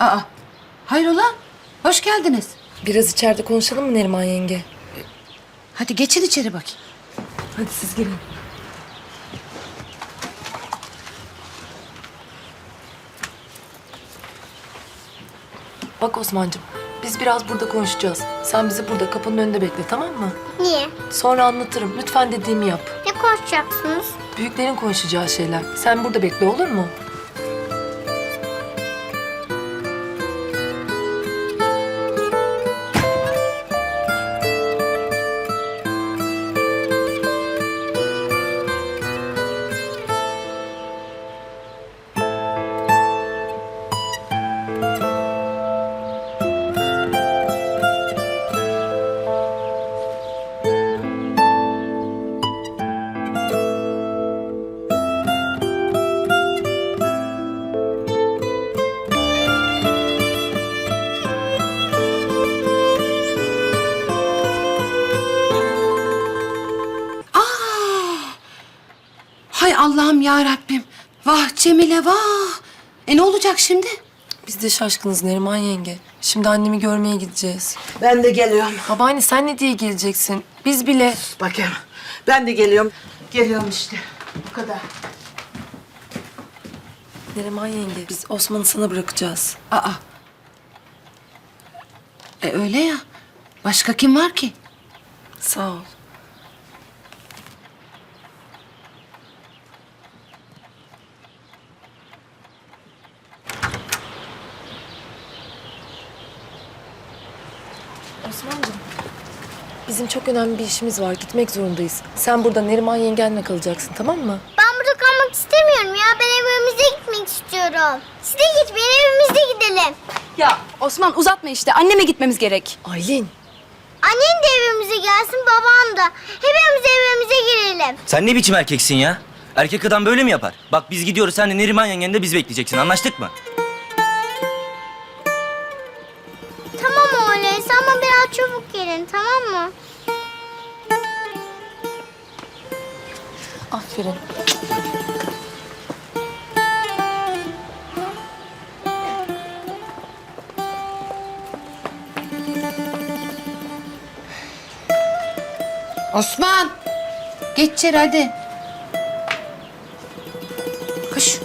Aa, hayrola? Hoş geldiniz. Biraz içeride konuşalım mı Neriman yenge? Hadi geçin içeri bakayım. Hadi siz gelin. Bak Osman'cığım, biz biraz burada konuşacağız. Sen bizi burada kapının önünde bekle, tamam mı? Niye? Sonra anlatırım. Lütfen dediğimi yap. Ne konuşacaksınız? Büyüklerin konuşacağı şeyler. Sen burada bekle, olur mu? Hay Allah'ım ya Rabbim. Vah Cemile vah. Ne olacak şimdi? Biz de şaşkınız Neriman yenge. Şimdi annemi görmeye gideceğiz. Ben de geliyorum. Babaanne sen ne diye geleceksin? Biz bile... Bakayım. Ben de geliyorum. Geliyorum işte. Bu kadar. Neriman yenge, biz Osman'ı sana bırakacağız. Aa. Öyle ya. Başka kim var ki? Sağ ol. Osman'cığım, bizim çok önemli bir işimiz var. Gitmek zorundayız. Sen burada Neriman yengenle kalacaksın, tamam mı? Ben burada kalmak istemiyorum ya. Ben evimize gitmek istiyorum. Siz de gitmeyin, evimize gidelim. Ya Osman uzatma işte. Anneme gitmemiz gerek. Aylin. Annen de evimize gelsin, babam da. Hepimiz evimize girelim. Sen ne biçim erkeksin ya? Erkek adam böyle mi yapar? Bak biz gidiyoruz, sen de Neriman yengen de biz bekleyeceksin. Anlaştık mı? Tamam öyleyse ama biraz çabuk gelin, tamam mı? Aferin. Osman. Geç içeri hadi. Koş.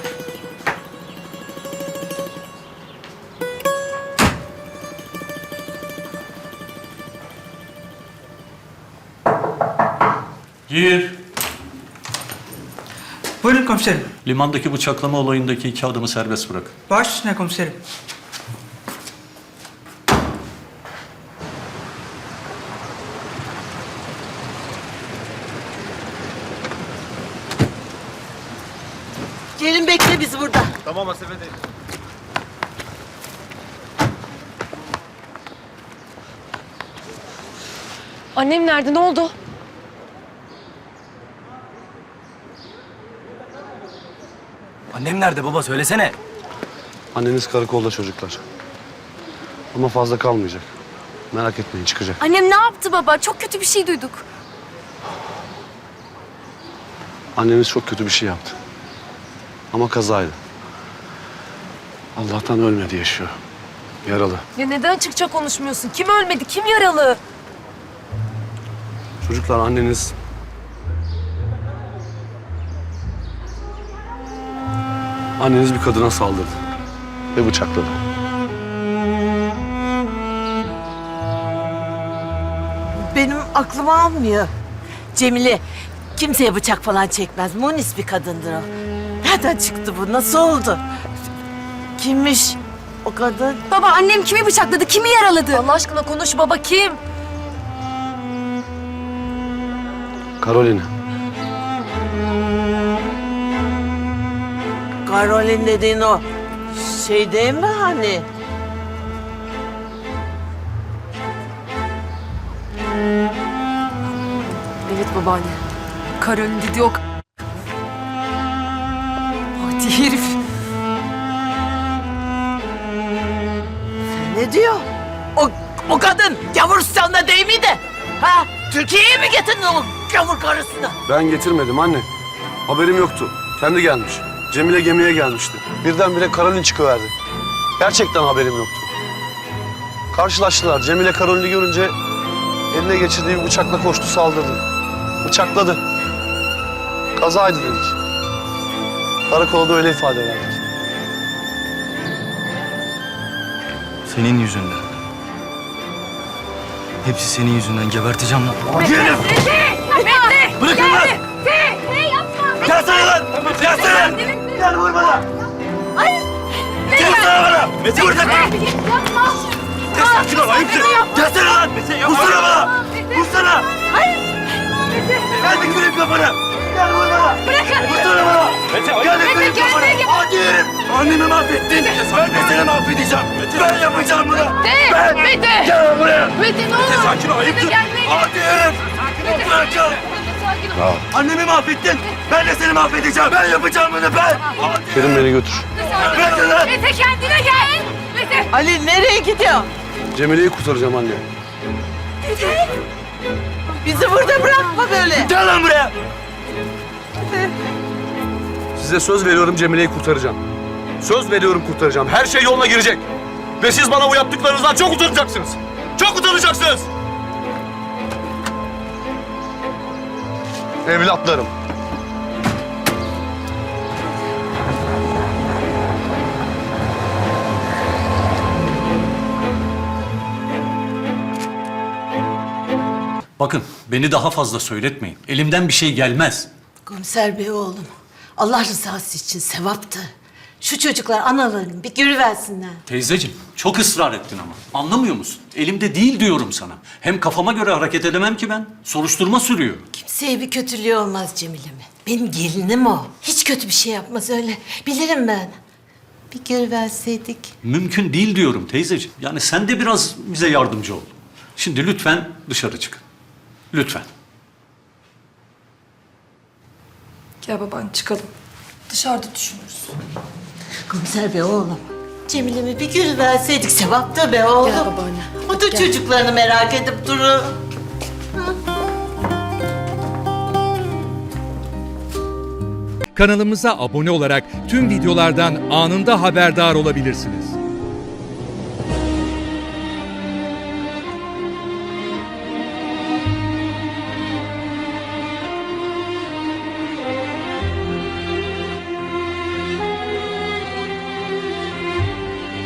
Gir. Buyurun komiserim. Limandaki bıçaklama olayındaki 2 adamı serbest bırak. Baş üstüne komiserim. Gelin bekle bizi burada. Annem nerede? Ne oldu? Annem nerede baba? Söylesene. Anneniz karakolda çocuklar. Ama fazla kalmayacak. Merak etmeyin, çıkacak. Annem ne yaptı baba? Çok kötü bir şey duyduk. Anneniz çok kötü bir şey yaptı. Ama kazaydı. Allah'tan ölmedi, yaşıyor. Yaralı. Ya neden açıkça konuşmuyorsun? Kim ölmedi? Kim yaralı? Çocuklar, anneniz... Anneniz bir kadına saldırdı. Ve bıçakladı. Benim aklım almıyor. Cemile kimseye bıçak falan çekmez. Munis bir kadındır o. Nereden çıktı bu? Nasıl oldu? Kimmiş o kadın? Baba annem kimi bıçakladı? Kimi yaraladı? Allah aşkına konuş baba, kim? Karolina. Karolin dediğin o şey değil mi hani? Evet babaanne. Karolin dedi yok. Hadi herif. Ne diyor? O kadın Gavuristan'da değil miydi? Ha? Türkiye'ye mi getirdin o gavur karısını? Ben getirmedim anne. Haberim yoktu. Kendi gelmiş. Cemile gemiye gelmişti. Birdenbire Karolin çıkıverdi. Gerçekten haberim yoktu. Karşılaştılar. Cemile Karol'ü görünce eline geçirdiği bir bıçakla koştu, saldırdı. Bıçakladı. Kazaydı dedik. Karakolda öyle ifade verdik. Senin yüzünden. Hepsi senin yüzünden. Geberteceğim lan. Bırakın lan! Gelsene lan! Gelsene! Gel vur bana! Gelsene bana! Mete vur lan! Ya sakin ol, ayıptır! Gelsene lan! Vursana bana! Vursana! Gel bir kırayım kafanı! Gel vur bana! Vursana bana! Gel bir kırayım kafanı! Hadi yerim! Annemi mahvettin! Ben de seni mahvedeceğim! Ben yapacağım bunu! Ben! Mete! Gel buraya! Mete ne olur! Mete sakin ol, ayıptır! Hadi yerim! Bırakın! Annemi mahvettin! Ben de seni mahvedeceğim! Ben yapacağım bunu ben! Kerim beni götür. Mete lan! Mete kendine gel. Mete. Ali nereye gidiyor? Cemile'yi kurtaracağım anne. Bizi burada bırakma böyle. Gel lan buraya! Size söz veriyorum, Cemile'yi kurtaracağım. Söz veriyorum, kurtaracağım. Her şey yoluna girecek. Ve siz bana bu yaptıklarınızdan çok utanacaksınız. Çok utanacaksınız. Evlatlarım. Bakın beni daha fazla söyletmeyin. Elimden bir şey gelmez. Komiser bey oğlum. Allah rızası için sevaptı. Şu çocuklar analarını bir görüversinler. Teyzeciğim çok ısrar ettin ama. Anlamıyor musun? Elimde değil diyorum sana. Hem kafama göre hareket edemem ki ben. Soruşturma sürüyor. Kimseye bir kötülüğü olmaz Cemile'me. Benim gelinim o. Hiç kötü bir şey yapmaz öyle. Bilirim ben. Bir görüverseydik. Mümkün değil diyorum teyzeciğim. Yani sen de biraz bize yardımcı ol. Şimdi lütfen dışarı çıkın. Lütfen. Gel baban çıkalım. Dışarıda düşünürüz. Komiser bey oğlum. Cemile'mi bir görüverseydik sevaptı be oğlum. Gel babaanne. O da çocuklarını merak edip durur. Kanalımıza abone olarak tüm videolardan anında haberdar olabilirsiniz.